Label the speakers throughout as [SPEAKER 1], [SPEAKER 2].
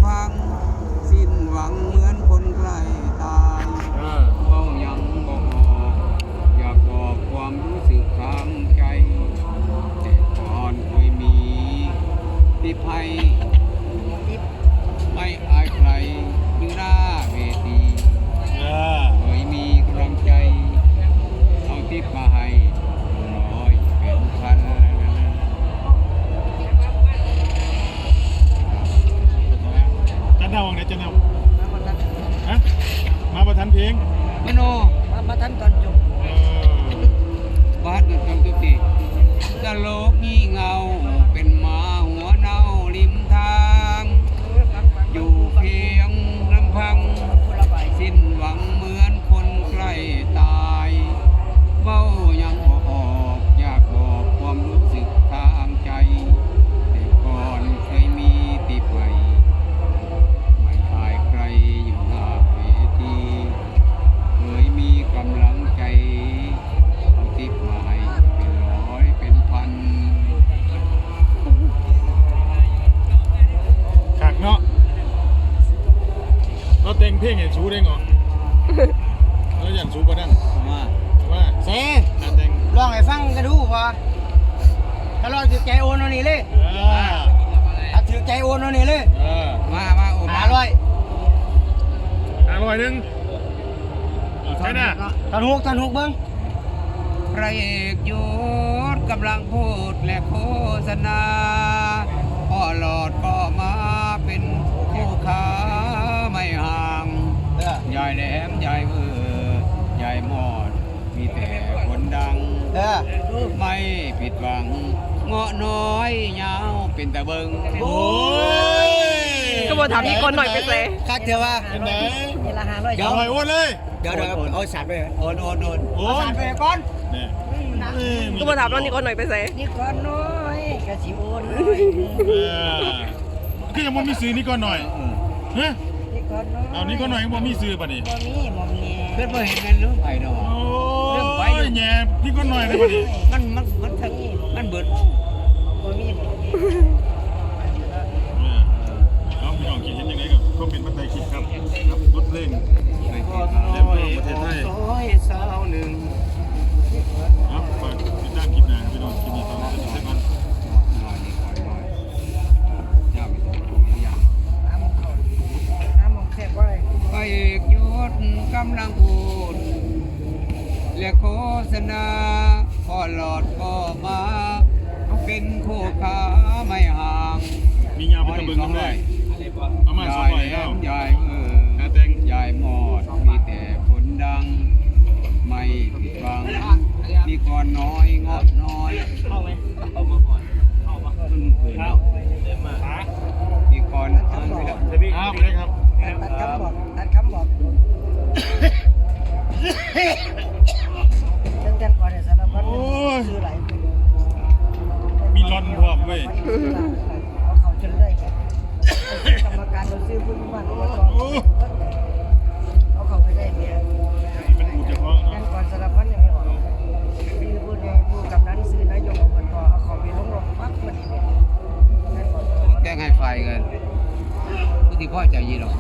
[SPEAKER 1] พังสิ้นหวังเหมือนคนใกล้ตายเฝ้ายังบอกอยากบอกความรู้สึกทางใจแต่ก่อนเคยมีที่ภัยไม่อายใครอยู่หน้าเวทีเคยมีกำลังใจเอาทิปมาให้ร้อยเป็นพัน
[SPEAKER 2] จันเน่าวังไหนจันเน่าฮะมาประทันเพลง
[SPEAKER 1] มโน
[SPEAKER 3] มาทันตอนจบบ
[SPEAKER 1] าดจงทุกทีตลกงี่เงาเป็นหมาหัวเน่าริมทางอยู่เพียงลำพังสิ้นหวังเหมือนคนใกล้ตายเบ้ายังออกอยากบอกความรู้สึกทางใจแต่ก่อนเคยมีติดไปไม่อายใครอยู่หน้าเวทีเคยมีกำลังใจเอาติดมาให้เป็นร้อยเป็นพัน
[SPEAKER 2] ขากเนาะเราแต่งเพลงเห็นชูได้เหรอแล้วอย่างชูก็นั่งว่า
[SPEAKER 3] เซ่
[SPEAKER 2] แต่ง
[SPEAKER 3] ลองให้ฟังกันดูพอถ้าลองถือใจโอนเอานี่เลยถ้าถือใจโอนเอานี่เลย
[SPEAKER 1] มาโอ้มา
[SPEAKER 2] 500นึงใช่น่ะ
[SPEAKER 3] ทันหกเบิ้ง
[SPEAKER 1] พระเอกยศกำลังพูดและโฆษณาพ่อหลอดก็มาเป็นคู่ค้าไม่ห่างยายแหลมยายยายมอดมีแต่คนดังไม่ผิดหวังเงาะน้อยยาวเป็นตะเบิง
[SPEAKER 2] โอ้ย
[SPEAKER 4] ก็บอกถามพี่คนหน่อยไปเซ่
[SPEAKER 3] คักเถอะว่า
[SPEAKER 2] เป็นไหน
[SPEAKER 3] นี่ละ500
[SPEAKER 2] เดี๋ยวให้โอนเลย
[SPEAKER 3] เดี๋ยวเอาสัตว์ไป
[SPEAKER 1] โอน
[SPEAKER 3] สัตว์ไปก่อน
[SPEAKER 2] นี่
[SPEAKER 4] ก็บอกถามนี่คนหน่อยไปเซ่
[SPEAKER 3] นี่ก่อนน้อยกะสิโอน
[SPEAKER 2] คือยังบ่มีซื้อนี่ก่อนหน่อยฮะ
[SPEAKER 3] นี่ก่อนน้อย
[SPEAKER 2] เอานี่ก่อนหน่อยยังบ่มีซื้อป่ะนี่
[SPEAKER 3] บ่มี
[SPEAKER 1] เพื่อนบ่เห็นกันหรือไผดอก
[SPEAKER 2] เรื่องไปแย่พี่ก่อนหน่อยเลยป่ะนี่
[SPEAKER 1] มันเบิด
[SPEAKER 3] บ่มี
[SPEAKER 2] เอาพี่น้องคิดเห็นยังไงกับก็เป็นปัจจัยคิดครับครับบทเพลง
[SPEAKER 1] ไปที่
[SPEAKER 2] เล่มประเทศไทย
[SPEAKER 1] สาวหนึ่ง
[SPEAKER 2] ครับฝากติดตามคลิปหน้าพี่น้องคลิปนี้ต้องเป็นเส้นมัน
[SPEAKER 1] พระเอกยศกำลังพูดและโฆษณาพ่อหลอดก็มาเป็นคู่ค้าไม่ห่าง
[SPEAKER 2] มียาเป็นตะเบิงกันได้เอามา200แล้ว
[SPEAKER 1] ยายแต่งยายหมอดมีแต่คนดังไม่ผิดหวังมีก่อนน้อยงดน้อยเอามาก่อนมันเกินมีก่อน
[SPEAKER 2] ครับเลยครับ
[SPEAKER 3] ตัดคำบอกเต้นก่อนเนี่ยสารพัดซื้อหลาย
[SPEAKER 2] มีร้อนพร้อมเว้ย
[SPEAKER 3] เอาเขาจนได้กรรมการเราซื้อพุ่งบ้านเอาเขาไปได้เนี่ย
[SPEAKER 2] มันพูดเฉพาะ
[SPEAKER 3] เต้นก่อนสารพัดยังไม่ออกซื้อพุ่งในผู้กำนันซื้อนายกอบตเอาเขาไปลงปั๊บพอดีเลย
[SPEAKER 1] แกล้งให้ไฟกันผู้ที่พ่อใจยีหรอก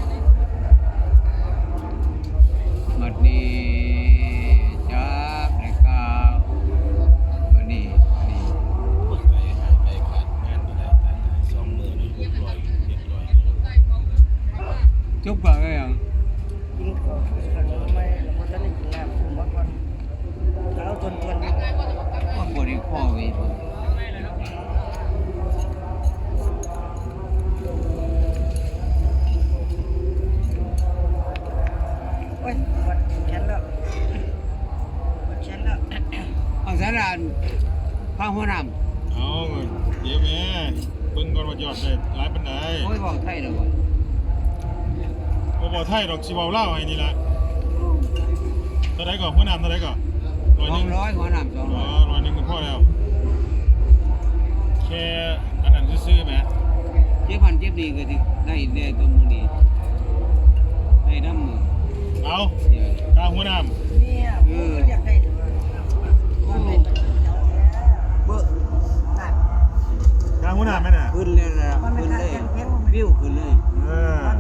[SPEAKER 1] มัดนี้จับในกาวมัดนี้จุ๊บก่อนเลยอ่ะ
[SPEAKER 3] ยิงเขาไม่เราก็จะได้กินน้ำผมว่าก่อนแล้วทน
[SPEAKER 1] ว่าปวดอีกข้อวี
[SPEAKER 3] โอ้ยปวดแขนแล้ว
[SPEAKER 1] เอาสารานข้าวหัวน้
[SPEAKER 2] ำเอาเดี๋ยวแม่เบิ่งก่อนว่ายอดได้หลายปานใด
[SPEAKER 1] โอ้ยบอกไทยเลยบ่
[SPEAKER 2] บ่ไทยดอกสิเว้าลาวให้นี่ล่ะเท่าใดก่อนหัวน้ำเท่าใดก่อน
[SPEAKER 1] 100หัวน้ำ200
[SPEAKER 2] อ๋อ100นึงก็พอแล้วแค่อันนั้นซื่อๆแหม
[SPEAKER 1] เจ็บพันเจ็บดีก็สิได้ได้ตัวมื้อนี้ได้น้ำมือ
[SPEAKER 2] เอาข้าวหัวน้
[SPEAKER 3] ำเนี่ยอยากได้
[SPEAKER 2] ข้าวหัวน้ำไหมน่ะ
[SPEAKER 1] ขึ้นเลยนะ
[SPEAKER 3] มันไม่
[SPEAKER 1] ขึ้น
[SPEAKER 3] ขาด
[SPEAKER 1] เลย
[SPEAKER 3] แข็ง
[SPEAKER 1] วิวขึ้นเลย
[SPEAKER 2] เออ